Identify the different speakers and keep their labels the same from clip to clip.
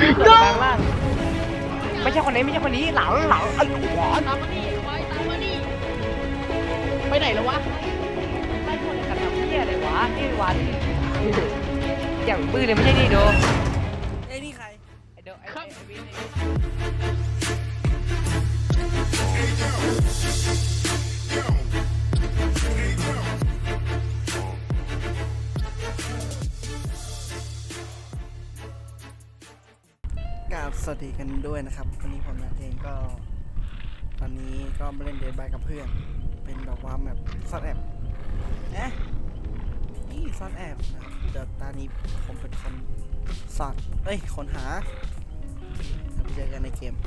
Speaker 1: กลางล่างไม่ใช่คนนี้ไม่ใช่คนนี้หลังไอ้หัว
Speaker 2: ตามมานี่ไว้ตามมานี่ไปไหนแล้ววะ
Speaker 1: ไล่คนกันทำเหี้ยอะไรวะนี่วันอย่างปื้อเลยไม่ใช่นี่โด
Speaker 3: ไอ้นี่ใคร
Speaker 1: ไอ้โดไอ้วิน
Speaker 3: กราบสวัสดีกันด้วยนะครับวันนี้ผมนัทเองก็ตอนนี้ก็มาเล่นเดทบายกับเพื่อน เป็นแบบว่าแบบซ่อนแอบนี่ซ่อนแอบนะครับเดี๋ยวตอนนี้ผมเป็นคนสอดคนหาเราไปเจอกันในเกม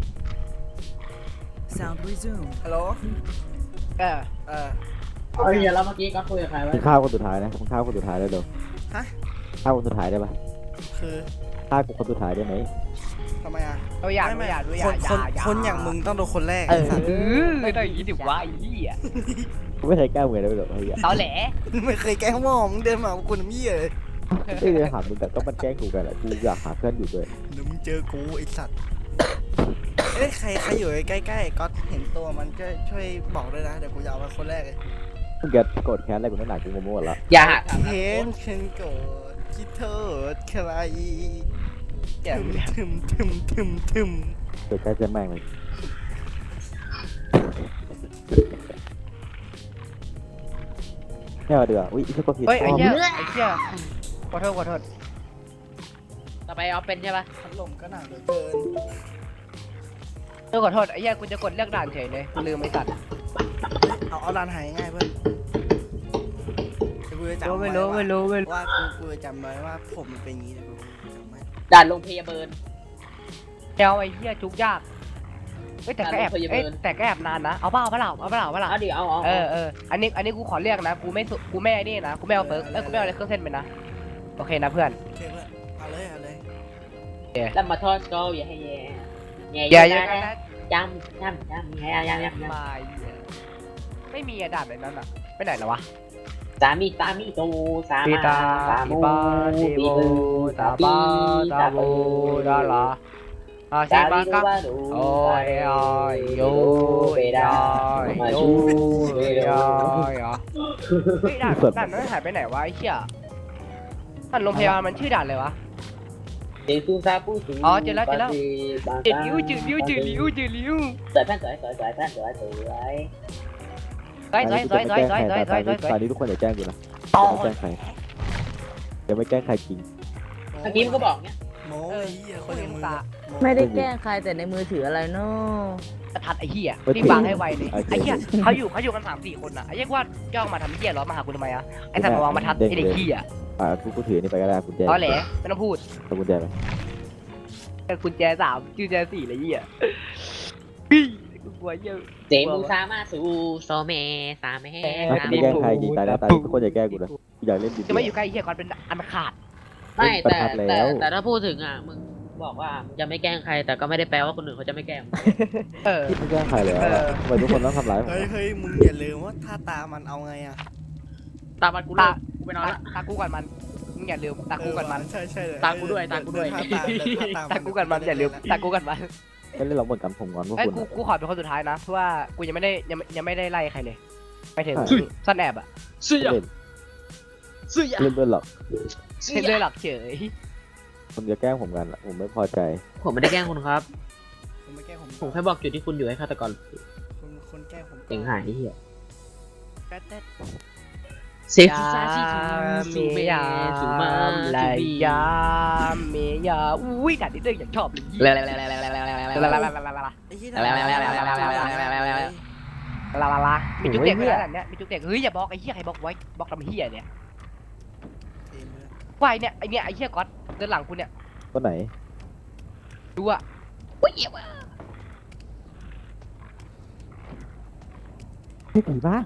Speaker 4: Sound resumed.
Speaker 3: ฮัลโหล
Speaker 1: เออ
Speaker 3: เออ
Speaker 2: เฮ้ยแล้วเมื่อกี้ก็คุยกับใครไว้
Speaker 5: มึงฆ่าคนสุดท้ายนะมึงฆ่าคนสุดท้ายได้เดี๋ยว
Speaker 3: ฮะ
Speaker 5: ฆ่าคนสุดท้ายได้ปะ
Speaker 3: คือ
Speaker 5: ฆ่ากูคนสุดท้ายได้ไหม
Speaker 3: ทำไมอ่ะ
Speaker 1: เราอยาก
Speaker 3: ไม่
Speaker 1: อยาก
Speaker 3: คนอย่างมึงต้องโดนคนแรก
Speaker 1: เอ
Speaker 3: ไอ้
Speaker 1: อ
Speaker 3: สัตว์
Speaker 1: ไม่ต้องอย่างนี้ดิวะไอ้เหี้ย
Speaker 5: กูไม่เคยแกล้งมึงเลยเดี๋ยวไอ้เหี้ย
Speaker 1: ตอแหล
Speaker 3: ไม่เคยแกล้งหมอมึงเดินมากับกูน้ำเหี้ยเลย
Speaker 5: ไม่ได้หามึงแต่ก็มันแกล้งกูกันแหละกูอยากหาเพื่อนอยู่ด้วย
Speaker 3: เดี๋ยวมึงเจอกูไอ้สัตว์ใครอยู่ใกล้ๆก็เห็นตัวมันก็ช่วยบอกด้วยนะเดี๋ยวกูจะเอามาคนแรกเลย
Speaker 5: มึงจะโกรธแค้นอะไรกูนั่นหนากูงงหมดละ
Speaker 2: อย่า
Speaker 3: เห็นฉันโกรธคิดโทษใครทึม
Speaker 5: เกิดใกล้จะแม่งเลยแค่ว่าเดืออุ้ยอีกก็ผิด
Speaker 1: เฮ้ยไอ้เหี้ยขอโทษ
Speaker 2: ต่อไปเอาเป็นใช่ปะ
Speaker 3: พัดลมก็หนักเหลือเกิน
Speaker 1: ขอโทษไอ้เหี้ยกูจะกดเลือกด่านเฉยเลยลืมไอ้สัตว์
Speaker 3: เอาลานหายง่ายเพื่อนกูจะจำ
Speaker 1: ไม่รู้
Speaker 3: ว่ากูจะจำไว้ว่าผมมันเป็นอย่างนี้เลยกูจำไว้
Speaker 2: ด่านลงพยาบาล
Speaker 1: เจ้าไอ้เหี้ยจุกยากแต่ก็แอบแต่ก็แอบนานนะเอาเปล่า
Speaker 2: เอาดิเอา
Speaker 1: เอออันนี้กูขอเรียกนะกูไม่ไอ้นี่นะกูไม่เอาเฟิร์กกูไม่เอาอะไรเครื่องเส้นไปนะโอเคนะเพื่อน
Speaker 3: โอเคเพื่อนเอาเลย
Speaker 2: แล้วมาทอดก็อย่าให้แย่
Speaker 1: อย่าเยอะนะ
Speaker 2: ย้ำ
Speaker 1: มาไม่มีด่านในนั้นอ่ะไปไหนแล้ววะ
Speaker 2: สามีโตสามาสามูตีบูสาบีสาบูดาราสาบีก็ดูโอ้ยโยเบดามาชูเบดา
Speaker 1: เฮ้ยด่านนั้นหายไปไหนวะไอ้เหี้ยด่านโรงพยาบาลมันชื่อด่านเลยวะ
Speaker 2: เจซูซาปูสู
Speaker 1: อ๋อเจอแล้วจืดลิ้ว
Speaker 2: สวยแท่นสวย
Speaker 5: ตอนนี้ทุกคนอย่าแกล้งกูนะอย่าแกล้งใครอย่าไม่แกล้งใครจริง
Speaker 2: เมื่อกี้มันก็บอกเนี้ย
Speaker 3: โม้ไอ้เหี้ยคนอย่างมึง
Speaker 4: ไม่ได้แกล้งใครแต่ในมือถืออะไรเนาะ
Speaker 1: ทัดไอ้เหี้ยรีบวางให้ไวเลยไอ้เหี้ยเขาอยู่กัน3-4คนอ่ะไอ้เหี้ยว่าย่องมาทำเหี้ยล้อมาหากูทำไมอ่ะไอ้สัตว์มาวางมาทัดไอ้เด็กเหี้ย
Speaker 5: กูถือนี่ไปก็ได้กุญแจ
Speaker 1: อ๋อแหละไม่ต้องพูด
Speaker 5: เอากุญแจไป
Speaker 1: กุญแจ3กุญแจ4อะไรเหี้ยปี้กูกลัวเหี้ย
Speaker 2: เจมูซามาสูโซเมสาเม
Speaker 5: ไม่แกล้งใครจริงตายแล้วตายทุกคนอย่าแกล้งกูนะกูอยากเล่นดี
Speaker 1: จะไม่อยู่ใกล้เหี้ยก่อนเป็นอันขาด
Speaker 2: ไม่แต่ถ้าพูดถึงอ่ะมึงบอกว่าจะไม่แกล้งใครแต่ก็ไม่ได้แปลว่าคนอื่นเขาจะไม่แกล้ง
Speaker 5: ที่ไม่แกล้งใครเลยทำไมทุกคนต้องทำร้ายผม
Speaker 3: เฮ้ยมึงอย่าลืมว่าถ้าตามันเอาไงอ่ะ
Speaker 2: ตามมันกูเลิกกูไปนอนละ
Speaker 1: ตากูก่อนมันมึงอย่าลืมตากูก่อนมัน
Speaker 3: ใช่เลย
Speaker 2: ตากูด้วย
Speaker 1: ตากูก่อนมันอย่าลืมตากูก่อนมัน
Speaker 5: ไม่เล่นหรอกเหมือนกันผมงอนพวก
Speaker 1: ไอ้
Speaker 5: คุณ
Speaker 1: กูขอเป็นคนสุดท้ายนะเพราะว่ากูยังไม่ได้ไล่ใครเลยไปถึงซ่อนแอบอ่ะ
Speaker 2: เสื้อ
Speaker 5: เล่น
Speaker 2: เสื้อ
Speaker 5: เล่นเพื่อนหรอก
Speaker 1: เล่นเลยหลักเฉย
Speaker 5: ผมจะแกล้งผมกันผมไม่พอใจ
Speaker 2: ผมไม่ได้แกล้งคุณครับ
Speaker 3: ผมไม่แกล้ง
Speaker 2: ผมแค่บอกจุดที่คุณอยู่ให้ฆาตกร
Speaker 3: คนแกล้งผม
Speaker 2: เสียงหายที่เหี้ย
Speaker 3: แป๊ด
Speaker 2: เซฟซาชิสูเมสูมา
Speaker 1: ลา
Speaker 2: จูบี
Speaker 1: ยาเมียาอุ้ยด่านนี้เรื่องอย่างชอบเลย
Speaker 2: แล้ว
Speaker 3: ไอ้เหี้ย
Speaker 1: ลามีจุกเด็กด้วยนะเนี่ยมีจุกเด็กเฮ้ยอย่าบอกไอ้เหี้ยใครบอกไว้บอกทำเหี้ยเนี่ยไอ้เนี่ยไอ้เหี้ยก๊อตเดินหลังกูเนี่ย
Speaker 5: คนไหน
Speaker 1: ดูอ่ะ
Speaker 2: อุ้ยเหี้ยว่ะ
Speaker 5: ไม่ผีบ้า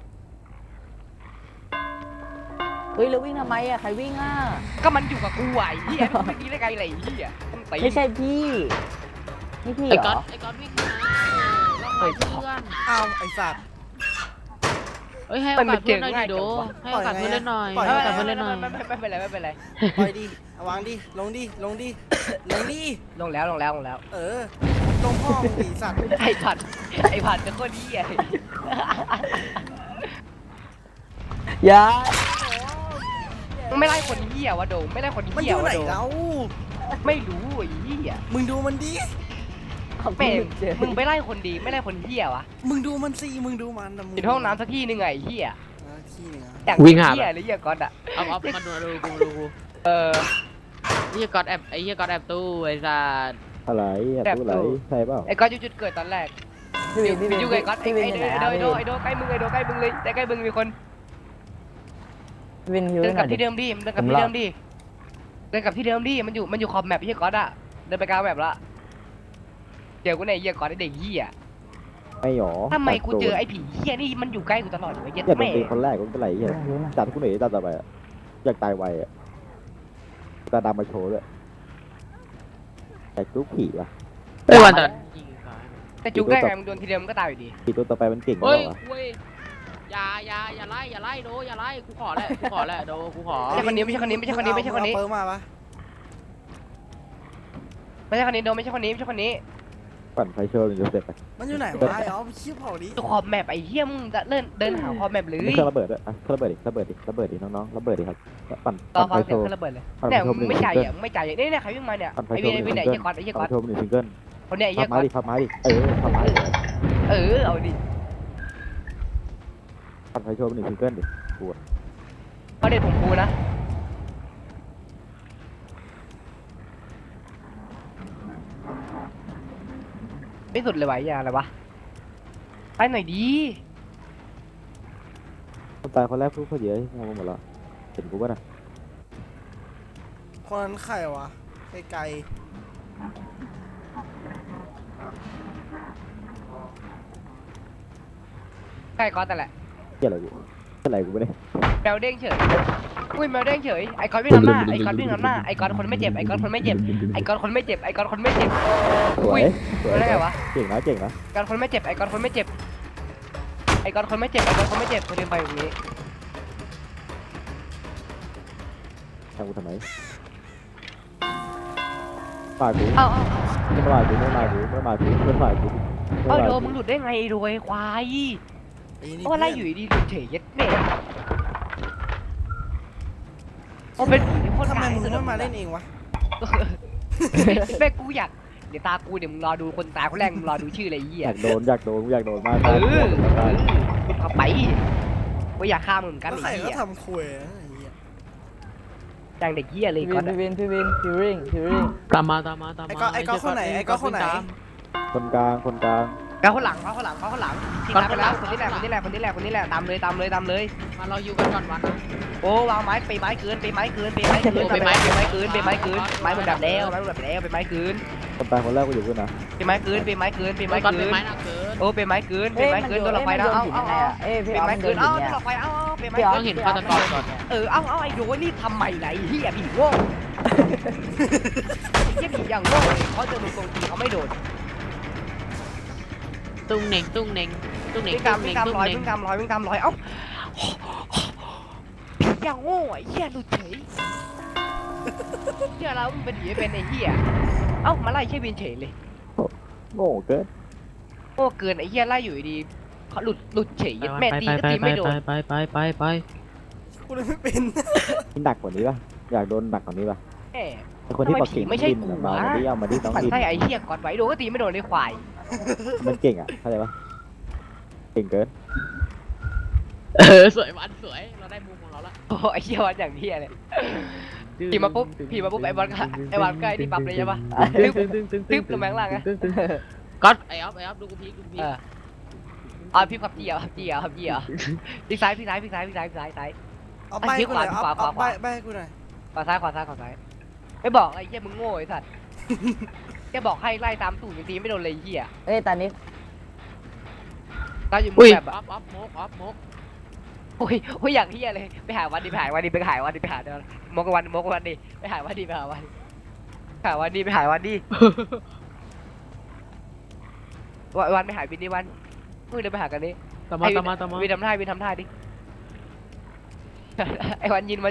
Speaker 4: เฮ้ยแล้ววิ่งทำไมอะใครวิ่งอะ
Speaker 1: ก็มันอยู่กับกูไอ้เหี้ยไม่ดีได้ไงไรเหี้ยต้องตี
Speaker 4: ไม่ใช่พี่นี่พี่
Speaker 2: ไอ้
Speaker 4: เหร
Speaker 2: ก๊อ
Speaker 4: อ
Speaker 2: ตวิ่งมาล่องหาเพื่อน
Speaker 3: อ้าวไอ้สัตว์
Speaker 2: เฮ้ยให้โอกาสเพื่อนหน่อยดิโดให้โอกาสเพื่อนเล่นหน่อยให้โอกาสเพื่อนเล่นหน่อย
Speaker 1: ไม่เป็นไรไม่เป็นไร
Speaker 3: ปล่อยดิเอาวางดิลงดิลงดิลงดิ
Speaker 1: ลงแล้วลงแล้วลงแล้ว
Speaker 3: เออลงพ่อมึงดิสัตว์
Speaker 1: ไอ้ผัดจะโคตรเหี้ย
Speaker 4: อย่า
Speaker 1: มึงไม่ไล่คนเหี้ยวะโดมไม่ไล่คน
Speaker 3: มันอ
Speaker 1: เหี้ย
Speaker 3: ยู่ไห
Speaker 1: วะ
Speaker 3: น
Speaker 1: โดม
Speaker 3: แล้ว
Speaker 1: ไม่รู้ไอ้เหี้ย
Speaker 3: มึงดูมันดิ
Speaker 1: แม่งมึงไปไล่คนดีไม่ไล่คนเหี้ยวะ
Speaker 3: มึงดูมันสิมึงดูมันแต่มึง
Speaker 1: อยู่ห้องน้ำสักที่หนึงไงไอ้เหี้ย
Speaker 3: ที่หนึงอะ
Speaker 1: อย่าง
Speaker 2: วิ่งหา
Speaker 1: เหี้ยหรือเหี้ยก๊อตอะ
Speaker 2: เอามาดูกูดูกู
Speaker 1: เออ
Speaker 2: ไอ้เหี้ยก๊อตแอบไอ้เหี้ยก๊อตแอบตู้ไอ้สัส
Speaker 5: อะไรอยากรู้อะไรใช่เปล่า
Speaker 1: ไอ้ก๊อตอยู่จุดเกิดตอนแรก
Speaker 4: พี่วินพี่วิน
Speaker 1: อยู่ไอ้ก๊อตไอ้
Speaker 4: พี่วินอยู่ไหน
Speaker 1: โดใกล้มึงไอ้โดใกล้มึงเลยแต่ใกล้มึงมีคน
Speaker 4: พี่วินฮิว
Speaker 1: เดิ
Speaker 4: ให้
Speaker 1: น
Speaker 4: ห
Speaker 1: ก
Speaker 4: น่
Speaker 1: ลั
Speaker 4: อบ ยดิ
Speaker 1: ที่เดิมดิมันเดินกลับที่เดิมดิเดินกลับที่เดิมดิมันอยู่ขอบแมปไอ้เหี้ยก๊อตอะเดินไปกลางแมปละเจอกูในไอ้เหี้ยก๊อตไอ้เด็กเหี้ย
Speaker 5: ไม่หรอ
Speaker 1: ทำไมกูเจอไอ้ผีเหี้ยนี่มันอยู่ใกล้กูตลอดเลยเย็ด
Speaker 5: อยากโดน
Speaker 1: แม่
Speaker 5: ตีคนแรกก็ไม่เป็นไรเหี้ยจัดกูหน่อยจัดต่อไปอะอยากตายไวอะตาดำมาโชว์ด้วยอยากจุกผีวะ
Speaker 2: ไอ้วันแต่
Speaker 1: แต่จุกได้ไงมึงโดนทีเดียวมึงก็ตายอยู่ดี
Speaker 5: ผีตัวต่อไปมันเก่งก
Speaker 2: เฮ้
Speaker 5: ว่าย วะ
Speaker 2: เว้ยอย่าไล่โดอย่าไล่กูขอแหละโดกูขอ
Speaker 1: ไม่ใช่คนนี้ไม่ใช่คนนี้ไม่ใช่คนนี้ไม่ใช่คนนี้
Speaker 3: เอาเปิร์มาปะ
Speaker 1: ไม่ใช่คนนี้โดนไม่ใช่คนนี้ไม่ใช่คนนี้
Speaker 5: ปั่นไฟโชว์มันจะเสร็จไป
Speaker 3: มันอยู่ไหนวะไอ้อ๋อไปชี้เผาดิ
Speaker 1: ตัวขอบแมปไอ้เหี้ยมึงจะเดินหาขอบแมปเลย
Speaker 5: ไม่เครื่องระเบิดด้วยอ่ะเครื่องระเบิดดิระเบิดดิน้องๆระเบิดดิครับปั่น
Speaker 1: ต่อ
Speaker 5: ปั่นไฟ
Speaker 1: ฟัง
Speaker 5: โช
Speaker 1: เสียง
Speaker 5: ว์
Speaker 1: เครื่องระเบิดเลย
Speaker 5: ปั่นไฟ
Speaker 1: เนี่ย
Speaker 5: โชว์
Speaker 1: มึงไม่จ่ายอ่ะมึงไม่จ่ายอ่ะเนี่ยใครวิ่งมาเนี่ย
Speaker 5: ปั่นไฟ
Speaker 1: ไอ้
Speaker 5: โช
Speaker 1: เวีย
Speaker 5: ว์
Speaker 1: ไอ้
Speaker 5: ห
Speaker 1: เวี
Speaker 5: นึ่
Speaker 1: ย
Speaker 5: ง
Speaker 1: ไหน
Speaker 5: ซิ
Speaker 1: ไอ้
Speaker 5: ง
Speaker 1: เหี้ยก๊อตไอ้เหี้ยก๊อต
Speaker 5: โชว์หนึ่งซิงเกิล
Speaker 1: คนเนี้ยไอ้เหี้
Speaker 5: พั
Speaker 1: ย
Speaker 5: บ
Speaker 1: ก๊
Speaker 5: ไม้
Speaker 1: อต
Speaker 5: ดิพับไม้ดิพับไม้ดิ
Speaker 1: เอาดิ
Speaker 5: ปั่นไฟโชว์หนึ่งซิงเกิลดิ
Speaker 1: เขาเด็ดผมกูนะไม่สุดเลยวะไอ้เหี้ยอะไรวะไปหน่อยดี
Speaker 5: คนตายคนแรกพูดเขาเยอะงงหมดแล้วเห็นกูป่ะนะ
Speaker 3: คนนั้นใครวะไกล
Speaker 1: ใกล้ก๊อตแต่นแหละ
Speaker 5: เกี่ยอะไรกูอะไรกูไม่ได้
Speaker 1: แมวเด้งเฉยอุ้ยแมวเด้งเฉยไอ้ก๊อตวิ่งนำหน้าไอ้ก๊อตวิ่งนำหน้าไอ้ก๊อตคนไม่เจ็บไอ้ก๊อตคนไม่เจ็บไอ้ก๊อตคนไม่เจ็บไอ้ก๊อตคนไม่เจ็บ
Speaker 5: สวยสวย
Speaker 1: ได้ไงวะ
Speaker 5: เก่งนะเก่งนะ
Speaker 1: ไอ้ก๊อตคนไม่เจ็บไอ้ก๊อตคนไม่เจ็บไอ้ก๊อตคนไม่เจ็บไอ้ก๊อตคนไม่เจ็บคนเดินไปอย่างนี้
Speaker 5: ทำกูทำไมปากกู
Speaker 1: เอ้า
Speaker 5: ไม่มากูไม่มากูไม่มากูไม่มากู
Speaker 1: เอ้าโดมึงหลุดได้ไงโดยควาย
Speaker 3: ๆไอ้นี่
Speaker 1: เพราะว่าไล่อยู่ดีๆหลุดเฉยเย็ดแม่โอ้เป็นผีที่โคตร
Speaker 3: ทำไม
Speaker 1: กาก
Speaker 3: มึง
Speaker 1: ที่สุด
Speaker 3: ไม่มาเล่นเองวะ
Speaker 1: แม่กูอยากเดี๋ยวตากูเดี๋ยวมึงรอดูคนตายคนแรกมึงรอดูชื่ออะไรไอ้เหี้ย
Speaker 5: อยากโดนมาก
Speaker 1: เออเข้าไปกูอยากฆ่ามึงเหมือนกัน
Speaker 3: แล้ว
Speaker 1: ไอ้
Speaker 3: ใครก็
Speaker 1: เหี้ย
Speaker 3: ทำคุยนะไอ้เหี้ย
Speaker 1: จังเด็กเหี้ยเลย
Speaker 4: พี่
Speaker 1: ก๊
Speaker 4: วิ
Speaker 1: อต
Speaker 4: นพี่วินพี่วินฮิวริงฮิวริง
Speaker 2: ตามมา
Speaker 3: ไอ้ก็คนไหนไอ้ก็คนไหน
Speaker 5: คนกลาง
Speaker 1: แล้วคนหลังทีมไปแล้วคนนี้แหละตามเลย
Speaker 2: มาเราอยู่กันก่อนวันนะ
Speaker 1: โอ้วางไม้ไปไม้คืนไม้เหมือนดับแล้วไปไม้คืน
Speaker 5: คนตายคนแรกกูอยู่ด้วยนะ
Speaker 1: ไปไม้คืน
Speaker 2: ก่อนเป็นไม้หนักเกิน
Speaker 1: โอ้ไปไม้คืนโดนหลอกไฟนะเอาไปไม้คืนเอาโดนหลอกไฟเอาไปไม้
Speaker 2: ต้องเห็นฆาตกรก่อน
Speaker 1: เอาไอ้โดนี่ทำใหม่ไรเฮียผีโง่เฮียผีอย่างโง่เลยเขาเจอมึงตรงทีเขาไม่โดน
Speaker 2: ตุ้งเหน่ง
Speaker 1: วิ่งตามร้อยเอ้าผีอย่างโง่ไอ้เฮียหลุดเฉยเฮียเราเป็นผีเป็นไอ้เฮียเอ้ามาไล่ใช่วินเฉยเลย
Speaker 5: โง่เกิน
Speaker 1: โง่เกินไอ้เฮียไล่อยู่ดีเขาหลุดเฉยแม่ตีก็ตีไม่โดน
Speaker 2: ไป
Speaker 3: กูเลยไม่เป็น
Speaker 5: หนักกว่านี้ป่ะอยากโดนหนักกว่านี้ป่ะ
Speaker 1: แหม
Speaker 5: ไอคนที่บอกเก่ง
Speaker 1: ไม่ใช่กู
Speaker 5: มา
Speaker 1: นะ
Speaker 5: ดิเอามาดิน้อง
Speaker 1: มัน
Speaker 5: ดิน
Speaker 1: ไส้ไอ้เฮียกอดไว้โดนก็ตีไม่โดนในควาย
Speaker 5: มันเก่งอ่ะเข้าใจป่ะเก่งเกิน
Speaker 2: สวยวันสวยเราได้มุมของเราละ
Speaker 1: โอ้ไอ้เฮียวันอย่างเฮียเลยผีมาปุ๊บไอ้บอลก็ไอ้ที่ปั๊บเลยใช่ปะตึ๊บลงแมงล่างไง
Speaker 2: ก็ไอ้ออฟดูกูพี
Speaker 1: พี่ขับจี้พี่ซ้าย
Speaker 3: เอาใบกูหน่อยเอาใบให้กูหน่อย
Speaker 1: ขวาซ้ายไม่บอกไอ้เฮียมึงโง่ไอ้สัตว์แกบอกให้ไล่ตามตู่ยังตีไม่โดนเลยเฮีย
Speaker 4: เอ้ยตอนนี้
Speaker 1: ตาอยู่มึ
Speaker 2: อุ้
Speaker 1: ง
Speaker 2: ย
Speaker 1: แบบ
Speaker 2: ออฟมก
Speaker 1: โอ้ยอย่างเฮียเลยไปหาวันดิเดี๋ยวมกวันดิไปหาวันดิไปหาวันดิวันไปหาวินดิวันมึงเดินไปหากันดิ
Speaker 2: ตามมา
Speaker 1: วินทำท่าดิไอ้วันยืน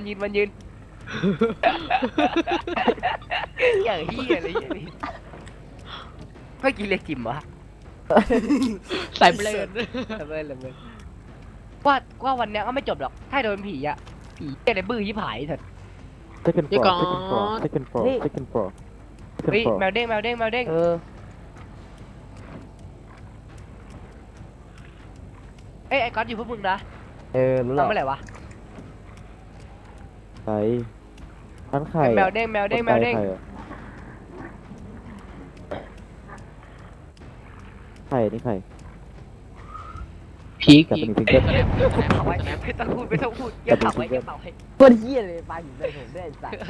Speaker 1: อย่างเฮียอะไรอย่างนี้เมื่อกี้เรียกจิมวะ
Speaker 2: ใส่เบลน
Speaker 1: เลยว่าวันเนี้ยก็ไม่จบหรอกถ้าโดนผีอะผีอะไรบื้อยี่ผายเถอะ
Speaker 5: second
Speaker 2: เดี๋ยว
Speaker 5: floor
Speaker 2: ก่อน
Speaker 5: second floor second floor second
Speaker 1: เฮ้ย
Speaker 5: floor
Speaker 1: แมวเด้ง
Speaker 4: เออ
Speaker 1: เอ้ยไอ้ก๊อตอยู่พวกมึงนะ
Speaker 4: รู้แล้ว
Speaker 1: ทำเมื่อไหร่วะ
Speaker 5: ใครร้านไข่
Speaker 1: แมวเด้ง
Speaker 5: ไข่นี่ไข่
Speaker 2: พีค
Speaker 5: จับ
Speaker 2: พี
Speaker 5: เป็น
Speaker 2: ค
Speaker 5: ซิงเกิล
Speaker 1: เผาไว้ไม่ต้องพูดอย่าเผาไว้
Speaker 4: ตัวเหี้ยเลยปลาหินใส่ผมด้วยไอ้สัส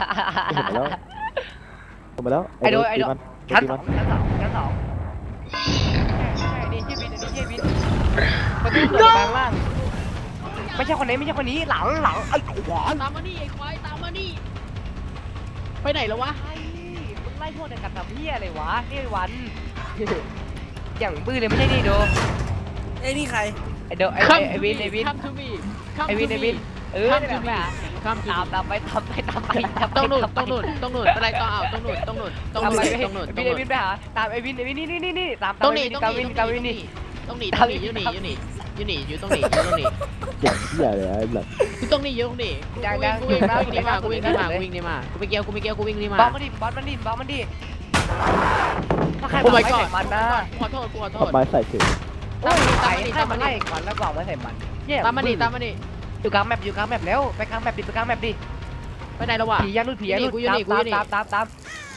Speaker 5: เห็นมาแล้ว
Speaker 1: ไอ้โดย
Speaker 5: ตีมัน
Speaker 1: ชั้น
Speaker 5: ตี
Speaker 1: ส
Speaker 5: มั
Speaker 1: อน งใช่นี่ชื่อบินประตูเปิดทางล่างไม่ใช่คนนี้หลังไอ้ขวาน
Speaker 2: ตามมานี่ไอ้ควายตามมานี่ไปไหนแล้ววะ
Speaker 1: ไอ้มึงไล่พวกเดียวกันทำเพี้ยอะไรวะนี่วันอย่างบื้อเลยไม่ใช่นี่โด
Speaker 3: เอ้ยนี่ใคร
Speaker 1: ไอ้โดไอ้วิน
Speaker 2: คัมทูมี
Speaker 1: ไอ้วินเออนี่แหละ
Speaker 2: คัมทู
Speaker 1: ตามไป
Speaker 2: ต้องหนุนอะไรต่อเอาต้องหนุน
Speaker 1: วินไปหาตามไอ้วินนี่ตาม
Speaker 2: ต้องหนี
Speaker 1: กาวินนี่
Speaker 2: อยู่นี่อยู่นี่อยู่ตรงนี้
Speaker 5: อย่างเหี้ยเลยไอ้แบบ
Speaker 2: อยู่ตรงนี้กูวิ่งนี่มากูวิ่งไปเกี่ยวกูวิ่งนี่มา
Speaker 1: บอสมันดิถ้าใครมาใส่มันนะ
Speaker 2: ขอโทษ
Speaker 5: เอาไม้ใส่ถึง
Speaker 1: ถ้ามันไล่มันแล้วบอกว่าใส่มัน
Speaker 2: ตามมานี่
Speaker 1: อยู่กลางแมปแล้วไปกลางแมปดิ
Speaker 2: ไปไหนแล้ววะ
Speaker 1: ผียันนู่นตาม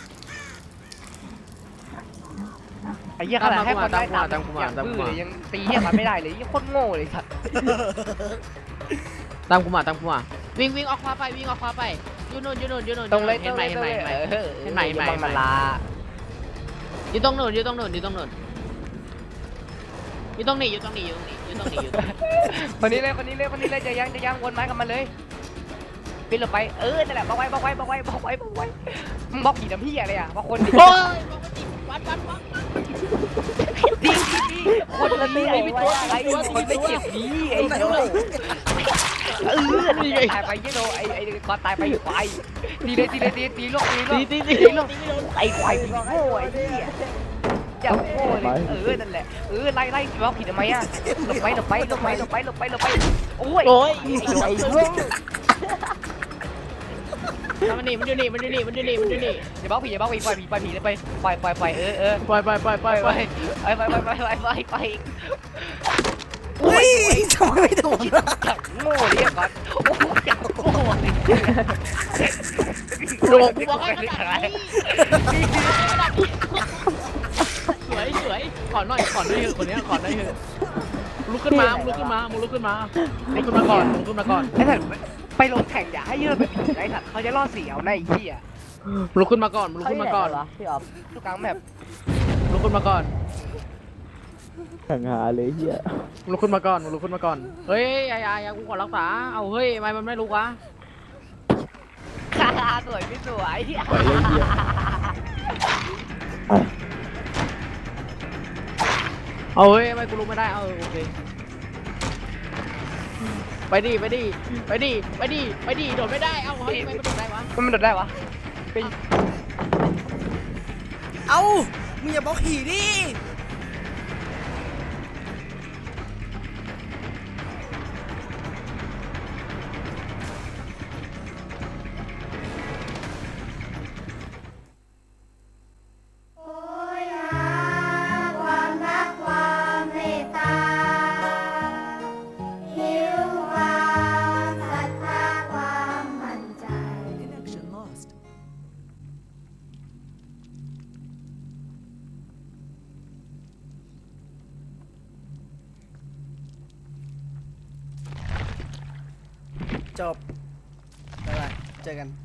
Speaker 1: ไอ้เหี้ยขนาดให้คนได้ตามอย่างบื้อเลยยังตีเหี้ยมันไม่ได้เลยยังโคตรโง่เลยสัตว์
Speaker 2: ตามกูมาวิ่งออกขวาไปอยู่นู่น
Speaker 1: ตรงเลย
Speaker 2: เห็นไหม
Speaker 1: มันลา
Speaker 2: อยู่ตรงนู้น
Speaker 1: คนนี้เลยจะยังวนไม้กับมันเลยปิดลงไปนั่นแหละบอกไว้มึงบอกผีน้ำพี่อะไรอ่ะบอกคนดิ
Speaker 2: โอ้ยวัด
Speaker 1: ดีคนละตีไม่ตัวอะไรคนไม่เจ็บดีไอ้โดนี่ตายไปยี่โดไอ้กอตายไปควายตีเลยตีลูกไอ้ควายตีโง่ไอ้เหี้ยจะโง่เลยนั่นแหละไล่บอกผิดทำไมอ่ะหลบไปโอ้ยไอ้โง่
Speaker 2: มันอยู่นี่
Speaker 1: อย่าบอกผีปล่อยผีเลยไปปล่อย
Speaker 2: ปล่อย
Speaker 1: ไป
Speaker 3: อุ้ยทำไมไม่โดนวะ
Speaker 1: จับโง่เรียกก่อนจับโง่
Speaker 2: หลวงกูบอกให้ขนาดนี้สวยขอหน่อยเถอะคนนี้ขอได้เถอะลุกขึ้นมาก่อน
Speaker 1: ไอ้สัตว์ไปลงแข่งอย่าให้เยอะแบบไอ้สัตว์เขาจะล่อเสียวในเหี้ย
Speaker 2: ลุกขึ้นมาก่อน
Speaker 4: เหรอพี่ออฟ
Speaker 1: ทุกครั้งแบบ
Speaker 2: ลุกขึ้นมาก่อน
Speaker 5: ห่างหาเลยเหี้ย
Speaker 2: ลุกขึ้นมาก่อนเฮ้ยอย่ากูขอรักษาเอาเฮ้ยทำไมมันไม่ลุกวะ
Speaker 1: สวยไม่สวย
Speaker 5: ปล่อยเลยเหี้ย
Speaker 2: เอาเฮ้ยทำไมกูลุกไม่ได้เอาโอเคไปดิโดดไม่ได้เอาเฮ้ยทำไมมันโดดได้วะ
Speaker 1: มันโดดได้วะ
Speaker 3: เอ้ามึงอย่าบอกผีดิ
Speaker 6: โอ้ยหาความรักความเมตตาหิวความศรัทธาความมั่นใจ
Speaker 3: จบบ๊ายบายเจอกัน